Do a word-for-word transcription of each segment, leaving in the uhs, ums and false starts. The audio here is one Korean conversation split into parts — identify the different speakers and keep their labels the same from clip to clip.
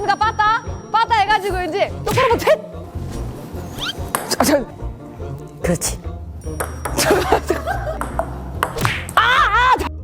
Speaker 1: 있습니까? 빠따? 빠따 해가지고 이제 똑바로 못해. 저, 저.
Speaker 2: 그렇지.
Speaker 1: 아, 아, 저.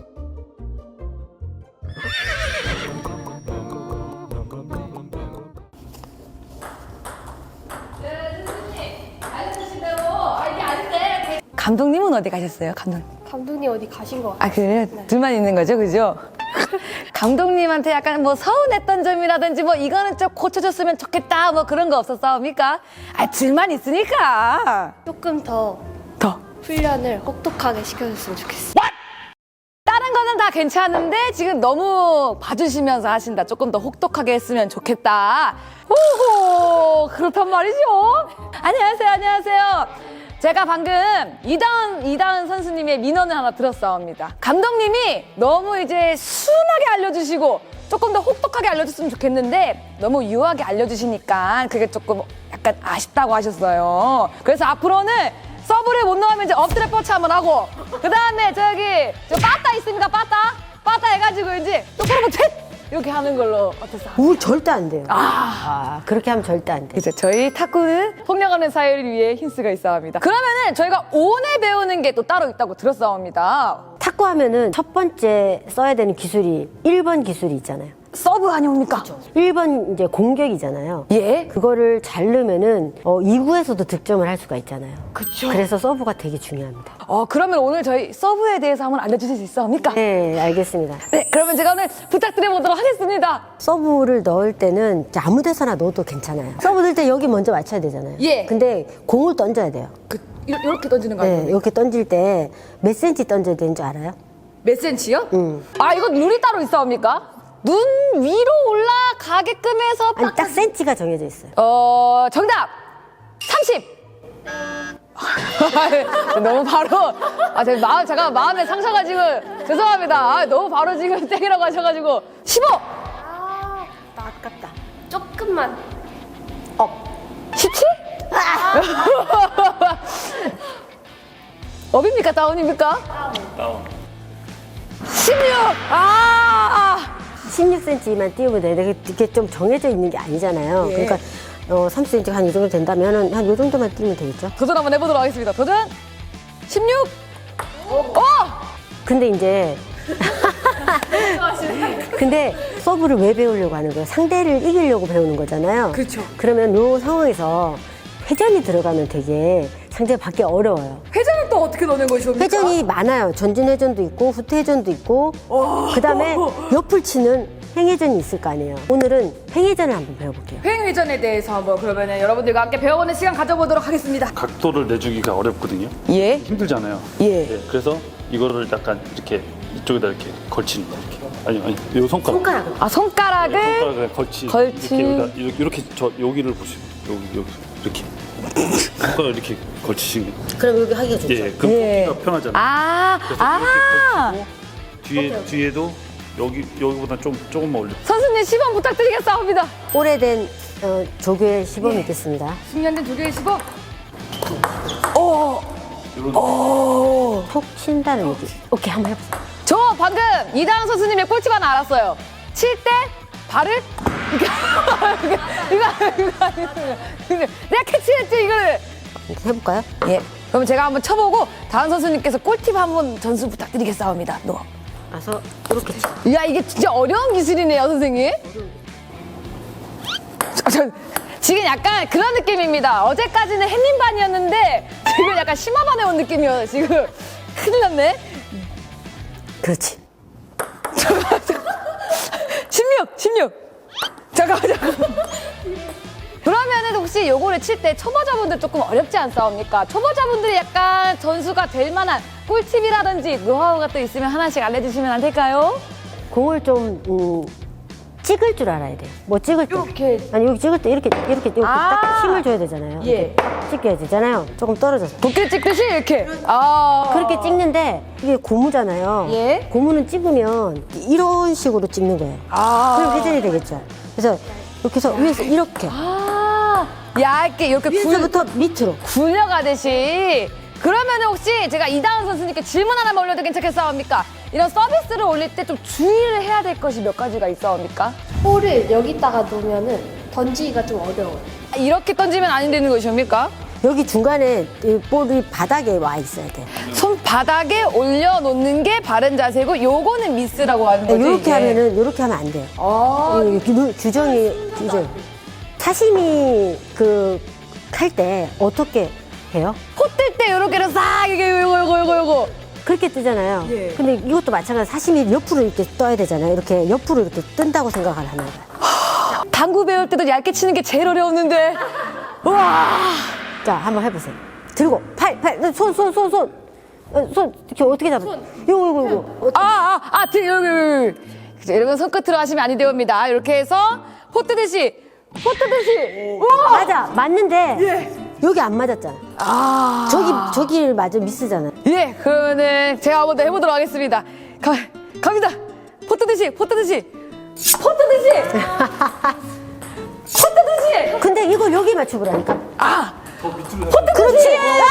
Speaker 1: 감독님은 어디 가셨어요? 감독님.
Speaker 3: 감독님 어디 가신 것 같아요.
Speaker 1: 아, 그래요? 네. 둘만 있는 거죠, 그죠? 감독님한테 약간 뭐 서운했던 점이라든지 뭐 이거는 좀 고쳐줬으면 좋겠다 뭐 그런 거 없었습니까? 아, 둘만 있으니까.
Speaker 3: 조금 더
Speaker 1: 더.
Speaker 3: 훈련을 혹독하게 시켜줬으면 좋겠어요.
Speaker 1: 다른 거는 다 괜찮은데 지금 너무 봐주시면서 하신다. 조금 더 혹독하게 했으면 좋겠다. 오호, 그렇단 말이죠. 안녕하세요, 안녕하세요. 제가 방금 이다은, 이다은 선수님의 민원을 하나 들었사옵니다. 감독님이 너무 이제 순하게 알려주시고 조금 더 혹독하게 알려줬으면 좋겠는데 너무 유하게 알려주시니까 그게 조금 약간 아쉽다고 하셨어요. 그래서 앞으로는 서브를 못 넣으면 이제 엎드려 뻗쳐 한번 하고 그 다음에 저기 저 빠따 있습니까? 빠따? 빠따 해가지고 이제 똑바로 못해! 이렇게 하는 걸로 어떠세요?
Speaker 2: 우 절대 안 돼요.
Speaker 1: 아,
Speaker 2: 아, 그렇게 하면 절대 안 돼.
Speaker 1: 이제 저희 탁구는 폭력하는 사회를 위해 힌스가 있어 합니다. 그러면은 저희가 오늘 배우는 게 또 따로 있다고 들었사옵니다.
Speaker 2: 탁구 하면은 첫 번째 써야 되는 기술이 일 번 기술이 있잖아요.
Speaker 1: 서브 아니옵니까?
Speaker 2: 일 번 이제 공격이잖아요.
Speaker 1: 예.
Speaker 2: 그거를 잘 넣으면은 어, 이 구에서도 득점을 할 수가 있잖아요.
Speaker 1: 그쵸.
Speaker 2: 그래서 서브가 되게 중요합니다.
Speaker 1: 어, 그러면 오늘 저희 서브에 대해서 한번 알려주실 수 있습니까?
Speaker 2: 네, 알겠습니다.
Speaker 1: 네, 그러면 제가 오늘 부탁드려보도록 하겠습니다.
Speaker 2: 서브를 넣을 때는 이제 아무 데서나 넣어도 괜찮아요. 서브 넣을 때 여기 먼저 맞춰야 되잖아요.
Speaker 1: 예.
Speaker 2: 근데 공을 던져야 돼요.
Speaker 1: 그, 이렇게 던지는 거
Speaker 2: 네,
Speaker 1: 아니에요?
Speaker 2: 이렇게 던질 때 몇 센치 던져야 되는 줄 알아요?
Speaker 1: 몇 센치요?
Speaker 2: 응.
Speaker 1: 아, 이거 룰이 따로 있사옵니까? 눈 위로 올라가게끔 해서
Speaker 2: 아니, 딱 센치가 정해져 있어요.
Speaker 1: 어, 정답! 삼십! 너무 바로, 아, 제 마음, 제가 마음에 상처가 지금, 죄송합니다. 아, 너무 바로 지금 땡이라고 하셔가지고, 십오!
Speaker 3: 아, 나 아깝다. 조금만.
Speaker 1: 업. 십칠? 업입니까? 다운입니까?
Speaker 4: 다운.
Speaker 1: 십육! 아!
Speaker 2: 십육 센치만 띄우면 되는데 이게 좀 정해져 있는 게 아니잖아요.
Speaker 1: 예.
Speaker 2: 그러니까 어, 삼십 센치가 한 이 정도 된다면 한 이 정도만 띄우면 되겠죠.
Speaker 1: 도전 한번 해보도록 하겠습니다. 도전! 십육! 오!
Speaker 2: 근데 이제 근데 서브를 왜 배우려고 하는 거예요? 상대를 이기려고 배우는 거잖아요.
Speaker 1: 그렇죠.
Speaker 2: 그러면 이 상황에서 회전이 들어가면 되게 상대가 받기 어려워요.
Speaker 1: 회전은 또 어떻게 넣는 것이옵니까?
Speaker 2: 회전이 많아요. 전진 회전도 있고 후퇴 회전도 있고 그다음에 옆을 치는 행회전이 있을 거 아니에요. 오늘은 행회전을 한번 배워볼게요.
Speaker 1: 횡회전에 대해서 한번 그러면 여러분들과 함께 배워보는 시간 가져보도록 하겠습니다.
Speaker 4: 각도를 내주기가 어렵거든요.
Speaker 1: 예.
Speaker 4: 힘들잖아요.
Speaker 1: 예.
Speaker 4: 네, 그래서 이거를 약간 이렇게 이쪽에다 이렇게 걸치는 거 이렇게. 아니 아니 요 손가락.
Speaker 2: 손가락을.
Speaker 1: 아, 손가락을
Speaker 4: 손가락을 걸치.
Speaker 1: 걸치.
Speaker 4: 이렇게 여기다 이렇게, 이렇게 저 여기를 보시면 여기 여기 이렇게 손가락 이렇게 걸치시면.
Speaker 2: 그럼 여기 하기가 좋죠.
Speaker 4: 예, 그럼
Speaker 1: 예.
Speaker 4: 걷기가 편하잖아요.
Speaker 1: 아,
Speaker 4: 그래서
Speaker 1: 아.
Speaker 4: 이렇게 걸치고 뒤에 뒤에도 여기 여기보다 좀 조금만 올려.
Speaker 1: 선수님 시범 부탁드리겠습니다.
Speaker 2: 오래된 어, 조교의 시범이 있겠습니다.
Speaker 1: 십 년 된 조교의 시범. 오.
Speaker 4: 이런
Speaker 1: 오.
Speaker 2: 톡 친다는 얘기. 오케이, 한번 해보세요.
Speaker 1: 저 방금 이다은 선수님의 꿀팁 하나 알았어요. 칠 때 발을 이거 이거 이거 이거 내가 캐치했지 이거를.
Speaker 2: 해볼까요?
Speaker 1: 예. 그럼 제가 한번 쳐보고 다은 선수님께서 꿀팁 한번 전수 부탁드리겠습니다. 너.
Speaker 2: 와서 이렇게 치.
Speaker 1: 야, 이게 진짜 어려운 기술이네요, 선생님. 저, 저, 지금 약간 그런 느낌입니다. 어제까지는 햇님반이었는데 지금 약간 심화반에 온 느낌이에요. 지금 큰일 났네.
Speaker 2: 그렇지.
Speaker 1: 십육, 십육. 잠깐만, 잠깐만. 그러면은 혹시 요거를 칠 때 초보자분들 조금 어렵지 않사옵니까? 초보자분들이 약간 전수가 될 만한 꿀팁이라든지 노하우가 또 있으면 하나씩 알려주시면 안 될까요?
Speaker 2: 공을 좀 음, 찍을 줄 알아야 돼요. 뭐 찍을 때.
Speaker 1: 이렇게.
Speaker 2: 아니 여기 찍을 때 이렇게 이렇게, 이렇게
Speaker 1: 아.
Speaker 2: 딱 힘을 줘야 되잖아요.
Speaker 1: 예.
Speaker 2: 이렇게 찍혀야 되잖아요. 조금 떨어져서.
Speaker 1: 도끼 찍듯이 이렇게. 아.
Speaker 2: 그렇게 찍는데 이게 고무잖아요.
Speaker 1: 예.
Speaker 2: 고무는 찍으면 이런 식으로 찍는 거예요.
Speaker 1: 아.
Speaker 2: 그럼 회전이 되겠죠. 그래서 이렇게 해서 위에서 이렇게
Speaker 1: 아. 얇게 이렇게 굴,
Speaker 2: 위에서부터 밑으로.
Speaker 1: 굴려가듯이. 그러면 혹시 제가 이다은 선수님께 질문 하나만 올려도 괜찮겠습니까? 이런 서비스를 올릴 때 좀 주의를 해야 될 것이 몇 가지가 있어옵니까?
Speaker 3: 볼을 여기다가 놓으면은 던지기가 좀 어려워요.
Speaker 1: 이렇게 던지면 안 되는 것입니까?
Speaker 2: 여기 중간에 이 볼이 바닥에 와 있어야 돼.
Speaker 1: 손바닥에 올려놓는 게 바른 자세고 요거는 미스라고 하는 거죠.
Speaker 2: 이렇게
Speaker 1: 이게.
Speaker 2: 하면은 이렇게 하면 안 돼.
Speaker 1: 아,
Speaker 2: 이 규- 규정이 규정. 사시미 그 칼 때 어떻게 해요?
Speaker 1: 콧뜰 때 요렇게로 싹 이게 요거 요거 요거 요거
Speaker 2: 그렇게 뜨잖아요.
Speaker 1: 예.
Speaker 2: 근데 이것도 마찬가지 사시미 옆으로 이렇게 떠야 되잖아요. 이렇게 옆으로 이렇게 뜬다고 생각을 하는 거예요.
Speaker 1: 당구 배울 때도 얇게 치는 게 제일 어려웠는데 우와
Speaker 2: 자, 한번 해보세요. 들고 팔, 팔, 손, 손, 손, 손, 어, 손 이렇게 어떻게 잡아? 요거, 요거, 요거.
Speaker 1: 아아아 여기 여기 여기 그죠, 여러분 손끝으로 하시면 아니 됩니다. 이렇게 해서 포 뜨듯이 포 뜨듯이 우와
Speaker 2: 맞아, 맞는데 여기 안 맞았잖아.
Speaker 1: 아
Speaker 2: 저기 저기 맞아 미스잖아.
Speaker 1: 예, 그러면은 제가 한번 더 해보도록 하겠습니다. 가, 갑니다. 포 뜨듯이, 포 뜨듯이, 포 뜨듯이, 포 뜨듯이.
Speaker 2: 근데 이걸 여기 맞춰보라니까.
Speaker 1: 아,
Speaker 4: 더 밑으로
Speaker 1: 포 뜨듯이.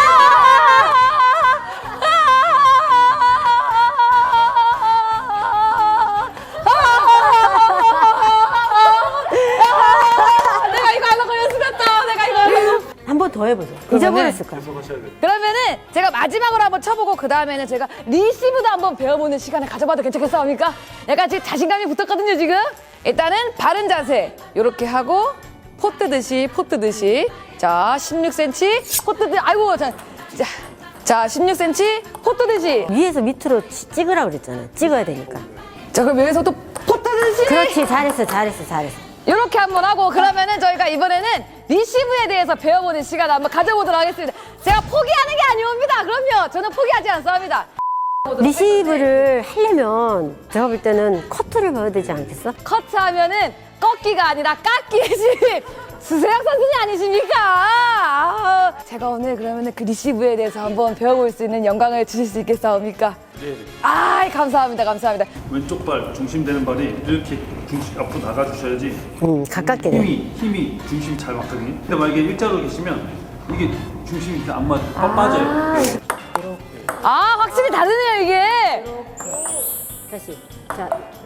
Speaker 1: 내가 이거 하려고 연습했다. 내가 이거 하려고.
Speaker 2: 한 번 더 해보자. 잊어버렸을 거야.
Speaker 4: 계속 하셔야 돼요.
Speaker 1: 그러면은 제가 마지막으로 한번 쳐보고 그 다음에는 제가 리시브도 한번 배워보는 시간을 가져봐도 괜찮겠습니까? 약간 지금 자신감이 붙었거든요 지금. 일단은 바른 자세 이렇게 하고 포 뜨듯이 포 뜨듯이 자 십육 센티미터 포 뜨듯이 아이고 자, 자, 자 십육 센티미터 포 뜨듯이
Speaker 2: 위에서 밑으로 치- 찍으라 그랬잖아. 찍어야 되니까.
Speaker 1: 자 그럼 여기서 또 포 뜨듯이
Speaker 2: 그렇지, 잘했어, 잘했어, 잘했어.
Speaker 1: 이렇게 한번 하고 그러면은 저희가 이번에는 리시브에 대해서 배워보는 시간을 한번 가져보도록 하겠습니다. 제가 포기하는 게 아니옵니다. 그럼요. 저는 포기하지 않습니다.
Speaker 2: 리시브를 하려면 제가 볼 때는 커트를 배워야 되지 않겠어?
Speaker 1: 커트하면은 꺾기가 아니라 깎기의 신 수세혁 선생님 아니십니까? 아, 제가 오늘 그러면은 그 리시브에 대해서 한번 배워볼 수 있는 영광을 주실 수 있겠사옵니까?
Speaker 4: 네.
Speaker 1: 아, 감사합니다, 감사합니다.
Speaker 4: 왼쪽 발 중심되는 발이 이렇게 중심 앞으로 나가주셔야지
Speaker 2: 음, 가깝게 돼.
Speaker 4: 힘이 힘이 중심 잘 맞거든요. 근데 만약에 일자로 계시면 이게 중심이 이렇게 안 맞아, 아~ 빠져요.
Speaker 1: 아, 확실히 다르네요 이게.
Speaker 2: 다시. 자,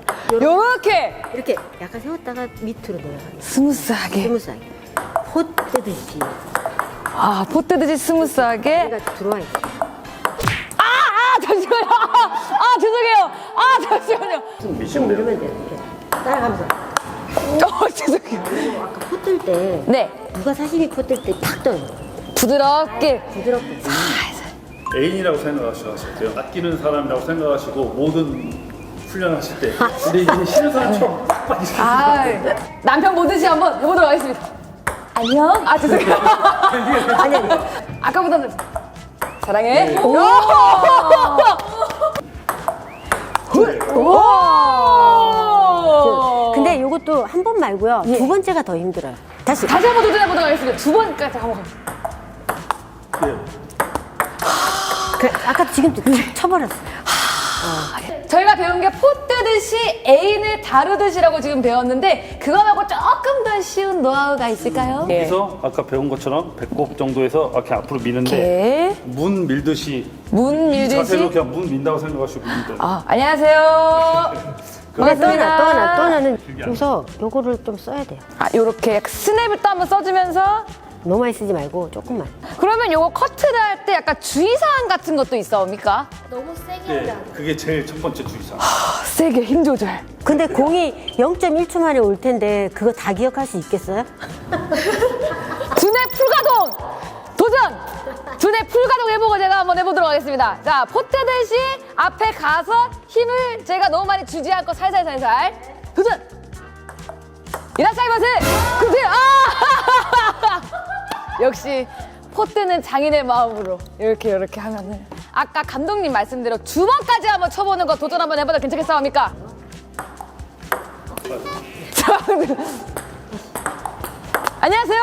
Speaker 1: 요렇게
Speaker 2: 이렇게 약간 세웠다가 밑으로 내려가는 거야.
Speaker 1: 스무스하게.
Speaker 2: 스무스하게. 포 뜨듯이.
Speaker 1: 아, 포 뜨듯이 스무스하게.
Speaker 2: 얘가 들어와 있어.
Speaker 1: 아, 아, 잠시만요. 아, 아, 죄송해요. 아, 잠시만요.
Speaker 2: 좀 누르면 돼. 이렇게. 따라가면서.
Speaker 1: 어, 죄송해요.
Speaker 2: 아까 포 뜰 때.
Speaker 1: 네,
Speaker 2: 누가 사시미 포 뜰 때 탁 떠요.
Speaker 1: 부드럽게.
Speaker 2: 부드럽게.
Speaker 4: 애인이라고 생각하셔야 돼요. 아끼는 사람이라고 생각하시고 모든 훈련하실 때. 근데 이게 싫은 사람처럼 팍 빠지시죠.
Speaker 1: 아, 남편 보듯이 한번 해보도록 하겠습니다. 안녕. 아, 죄송해요.
Speaker 2: 아니, 아니.
Speaker 1: 아까보다는 사랑해. 오! 오!
Speaker 2: 근데 이것도 한 번 말고요.
Speaker 1: 예.
Speaker 2: 두 번째가 더 힘들어요. 다시.
Speaker 1: 다시 한번 도전해보도록 하겠습니다. 두 번까지 한번.
Speaker 4: 네.
Speaker 2: 그, 아까 지금도 탁 쳐버렸어.
Speaker 1: 저희가 배운 게 포 뜨듯이 애인을 다루듯이라고 지금 배웠는데 그거 말고 조금 더 쉬운 노하우가 있을까요?
Speaker 4: 그래서 아까 배운 것처럼 배꼽 정도에서 이렇게 앞으로 미는데
Speaker 1: 이렇게
Speaker 4: 문 밀듯이
Speaker 1: 문
Speaker 4: 이 자세로
Speaker 1: 밀듯이.
Speaker 4: 그냥 문 민다고 생각하시고 밀듯.
Speaker 1: 아, 안녕하세요.
Speaker 2: 또 하나, 또
Speaker 1: 반갑습니다.
Speaker 2: 하나, 또 하나는 여기서 요거를 좀 써야 돼요.
Speaker 1: 아, 요렇게 스냅을 또 한번 써주면서
Speaker 2: 너무 많이 쓰지 말고 조금만.
Speaker 1: 그러면 요거 커트를 할 때 약간 주의사항 같은 것도 있어옵니까?
Speaker 3: 너무 세게
Speaker 4: 네,
Speaker 3: 하면 안 돼.
Speaker 4: 그게 제일 첫 번째 주의사항.
Speaker 1: 아, 세게 힘 조절.
Speaker 2: 근데 공이 영 점 일 초 만에 올 텐데 그거 다 기억할 수 있겠어요?
Speaker 1: 두뇌 풀가동 도전. 두뇌 풀가동 해보고 제가 한번 해보도록 하겠습니다. 자, 포 뜨듯이 앞에 가서 힘을 제가 너무 많이 주지 않고 살살살살 도전. 이라사이마세. 그치? 아! 역시 포 뜨는 장인의 마음으로 이렇게 이렇게 하면은 아까 감독님 말씀대로 두 번까지 한번 쳐보는 거 도전 한번 해봐도 괜찮겠습니까? 자, 안녕하세요.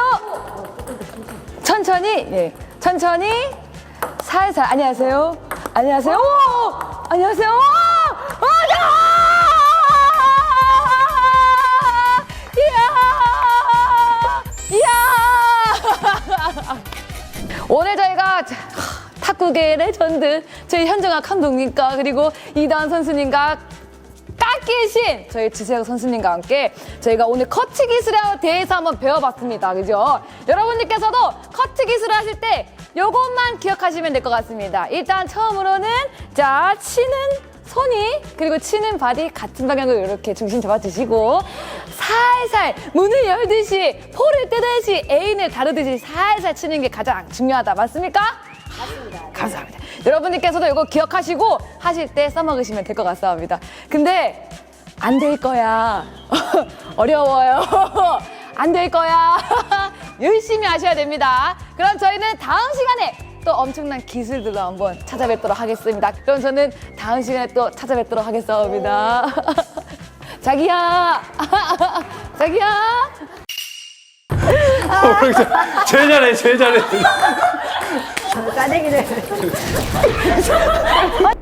Speaker 1: 천천히, 예, 천천히, 살살. 안녕하세요. 안녕하세요. 오! 안녕하세요. 오! 아, 이야! 이야! 오늘 저희가 탁구 축구계의 레전드 저희 현정학 감독님과 그리고 이다은 선수님과 깎기의 신 저희 지세혁 선수님과 함께 저희가 오늘 커트 기술에 대해서 한번 배워봤습니다. 그죠? 여러분들께서도 커트 기술을 하실 때 요것만 기억하시면 될 것 같습니다. 일단 처음으로는 자 치는 손이 그리고 치는 발이 같은 방향으로 이렇게 중심 잡아주시고 살살 문을 열듯이 포를 뜨듯이 애인을 다루듯이 살살 치는 게 가장 중요하다. 맞습니까? 맞습니다. 감사합니다. 여러분들께서도 이거 기억하시고 하실 때 써먹으시면 될 것 같습니다. 근데 안 될 거야. 어려워요. 안 될 거야. 열심히 하셔야 됩니다. 그럼 저희는 다음 시간에 또 엄청난 기술들로 한번 찾아뵙도록 하겠습니다. 그럼 저는 다음 시간에 또 찾아뵙도록 하겠습니다. 자기야. 자기야.
Speaker 4: 제일 잘해, 제일 잘해.
Speaker 2: 싸대기를.